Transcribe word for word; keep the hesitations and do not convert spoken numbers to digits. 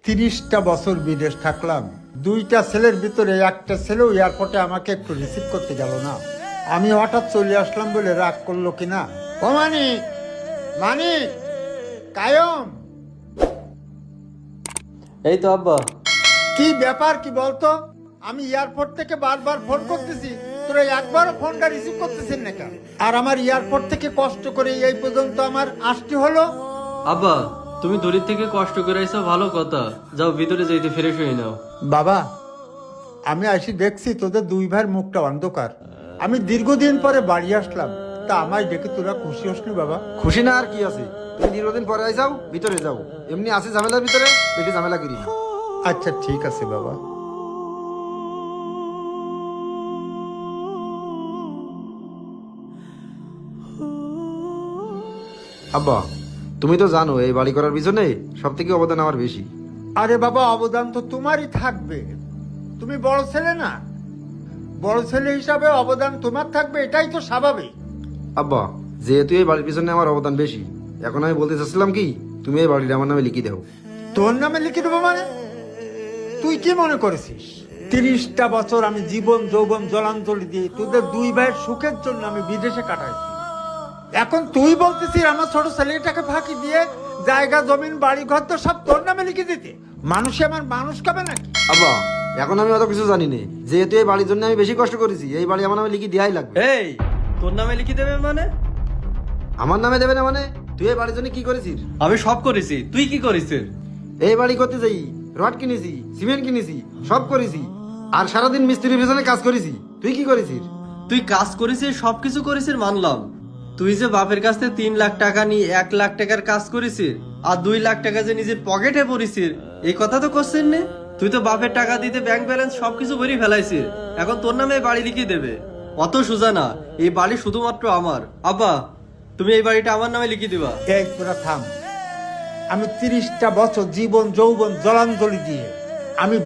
তিরিশটা বছর বিদেশ থাকলাম, দুইটা ছেলের ভিতরে একটা ছেলেও এয়ারপোর্টে আমাকে একটু রিসিভ করতে গেল না। আমি হঠাৎ চলে আসলাম বলে রাগ করলো কিনা। ও মানিক, মানিক, কায়ম, এই তো আব্বা। কি ব্যাপার কি বলতো? আমি এয়ারপোর্ট থেকে বারবার ফোন করতেছি, তোরা একবারও ফোনটা রিসিভ করতেছেন না কেন? আর আমার এয়ারপোর্ট থেকে কষ্ট করে এই পর্যন্ত আমার আসতে হলো। আব্বা, তুমি দূরের থেকে কষ্ট করে আইসো, ভালো কথা। যাও ভিতরে যাইতে ফ্রেশ হয়ে নাও। বাবা, আমি আসি দেখছি তোদের দুই ভাইয়ের মুখটা অন্ধকার। আমি দীর্ঘদিন পরে বাড়ি আসলাম, তা আমায় দেখে তোরা খুশি হসনি বাবা? খুশি না আর কি আছে, তুমি দীর্ঘদিন পরে আই যাও, ভিতরে যাও। এমনি আছে ঝামেলার ভিতরে, বেশি ঝামেলা করি না। আচ্ছা ঠিক আছে বাবা। আব্বা, তুমি তো জানো এই বাড়ি করার পিছনে সব থেকে অবদান আমার বেশি। আরে বাবা, অবদান তো তোমারই থাকবে, তুমি বড় ছেলে না? বড় ছেলে হিসাবে অবদান তোমার থাকবে, এটাই তো স্বাভাবিক। আব্বা, যেহেতু এই বাড়ির পিছনে আমার অবদান বেশি, এখন আমি বলতে চাচ্ছিলাম কি, তুমি এই বাড়িটা আমার নামে লিখে দাও। তোর নামে লিখে দেবো মানে? তুই কি মনে করেছিস তিরিশটা বছর আমি জীবন যৌবন জলাঞ্জলি দিয়ে তোদের দুই ভাইয়ের সুখের জন্য আমি বিদেশে কাটাইছি, এখন তুই বলতেছিস আমার ছোট ছেলেটাকে ফাঁকি দিয়ে জায়গা জমিন বাড়ি ঘর তো সব তোর নামে লিখে দিতে? মানুষে আমার মানুষ খাবে নাকি? আব্বা, এখন আমি অত কিছু জানি না, যেহেতু এই বাড়ির জন্য আমি বেশি কষ্ট করেছি, এই বাড়ি আমার নামে লিখে দেওয়াই লাগবে। এই, তোর নামে লিখে দেবে মানে? আমার নামে দেবে না মানে? তুই এই বাড়ির জন্য কি করেছিস? আমি সব করেছি, তুই কি করেছিস? এই বাড়ি করতে যাই রড কিনেছি, সিমেন্ট কিনেছি, সব করেছি, আর সারাদিন মিস্ত্রির পিছনে কাজ করেছি। তুই কি করেছিস? তুই কাজ করেছিস, সবকিছু করেছিস মানলাম। তুই যে বাপের কাছ থেকে তিন লাখ টাকা নিয়ে এক লাখ টাকার কাজ করেছিস, আর দুই লাখ টাকা যে নিজের পকেটে পড়েছিস, এই কথা তো করছিস না। তুই তো বাপের টাকা দিতে ব্যাংক ব্যালেন্স সবকিছু ভরে ফেলাইছিস, এখন তোর নামে এই বাড়ি লিখে দেবে? অত সোজা না, এই বাড়ি শুধুমাত্র আমার। আব্বা, তুমি এই বাড়িটা আমার নামে লিখে দিবা। এই তোরা থাম। আমি তিরিশটা বছর জীবন যৌবন জলাঞ্জলি দিয়ে আমি